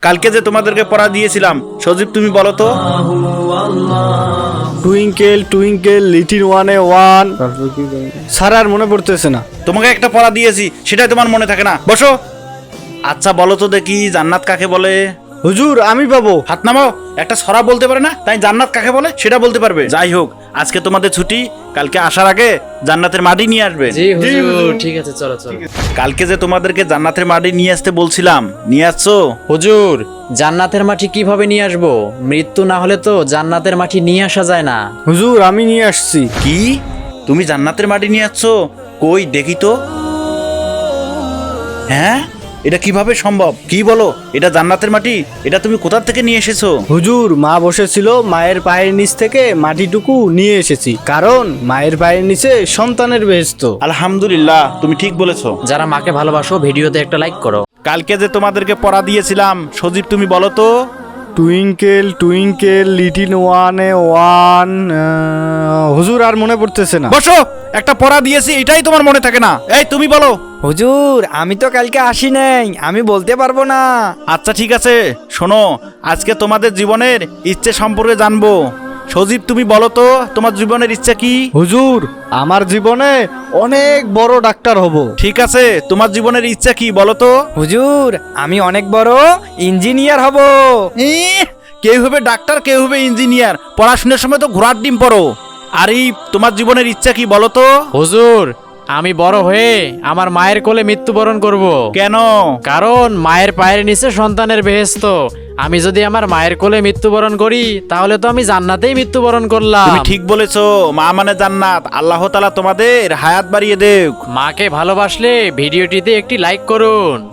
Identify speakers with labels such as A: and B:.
A: কালকে যে তোমাদেরকে পড়া দিয়েছিলাম, সজীব তুমি বলো তো।
B: টুইঙ্কেল টুইঙ্কেল লিটিল ওয়ানে ওয়ান। স্যার আর মনে পড়তেছে না।
A: তোমাকে একটা পড়া দিয়েছি, সেটাই তোমার মনে থাকে না। বসো। আচ্ছা বলো তো দেখি, জান্নাত কাকে বলে?
B: হুজুর আমি পাবো।
A: হাত নামাও। একটা ছড়া বলতে পারে না, তাই জান্নাত কাকে বলে সেটা বলতে পারবে। যাই হোক, আজকে তোমাদের ছুটি, কালকে আসার আগে জান্নাতের মাটি নিয়ে আসবে।
C: জি হুজুর, ঠিক আছে, চলো চলো।
A: কালকে যে তোমাদেরকে জান্নাতের মাটি নিয়ে আসতে বলছিলাম, নিয়ে আসছো?
C: হুজুর, জান্নাতের মাটি কিভাবে নিয়ে আসবো? মৃত্যু না হলে তো জান্নাতের মাটি নিয়ে আসা যায় না।
B: হুজুর আমি নিয়ে আসছি।
A: কি? তুমি জান্নাতের মাটি নিয়ে আসছো? কই দেখি তো। হ্যাঁ, এটা কিভাবে সম্ভব? কি বলো, এটা জান্নাতের মাটি? এটা তুমি কোথা থেকে নিয়ে এসেছো?
B: হুজুর মা বসেছিল, মায়ের পায়ের নিচ থেকে মাটিটুকু নিয়ে এসেছি, কারণ মায়ের পায়ের নিচে সন্তানের বেহেশত।
A: আলহামদুলিল্লাহ, তুমি ঠিক বলেছো।
C: যারা মাকে ভালোবাসো ভিডিওতে একটা লাইক করো।
A: কালকে যে তোমাদেরকে পড়া দিয়েছিলাম, সজীব তুমি বলো তো।
B: টুইঙ্কেল টুইঙ্কেল লিটিল ওয়ানে ওয়ান। হুজুর আর মনে পড়তেছে না।
A: বসো। একটা পড়া দিয়েছি, এটাই তোমার মনে থাকে না। এই তুমি বলো।
D: হুজুর আমি তো কালকে আসি নাই, আমি বলতে পারবো না।
A: আচ্ছা ঠিক আছে, শোনো, আজকে তোমাদের জীবনের ইচ্ছে সম্পর্কে জানবো। সজীব তুমি বলো তো, তোমার জীবনের ইচ্ছা কি?
B: হুজুর আমার জীবনে অনেক বড় ডাক্তার হব।
A: ঠিক আছে, তোমার জীবনের ইচ্ছা কি বলো তো?
D: হুজুর আমি অনেক বড় ইঞ্জিনিয়ার হব।
A: কেউ হবে ডাক্তার, কেউ হবে ইঞ্জিনিয়ার। পড়াশোনার সময় তো ঘোড়ার ডিম পড়ো। আর এই তোমার জীবনের ইচ্ছা কি বলো তো?
C: হুজুর, আমি বড় হয়ে আমার মায়ের কোলে মৃত্যুবরণ করব।
A: কেন?
C: কারণ মায়ের পায়ের নিচে সন্তানের বেহেশত। আমি যদি আমার মায়ের কোলে মৃত্যুবরণ করি, তাহলে তো আমি জান্নাতেই মৃত্যুবরণ করলাম।
A: তুমি ঠিক বলেছো, মা মানে জান্নাত। আল্লাহ তাআলা তোমাদের হায়াত বাড়িয়ে দেক।
C: মাকে ভালোবাসলে ভিডিওটিতে একটি লাইক করুন।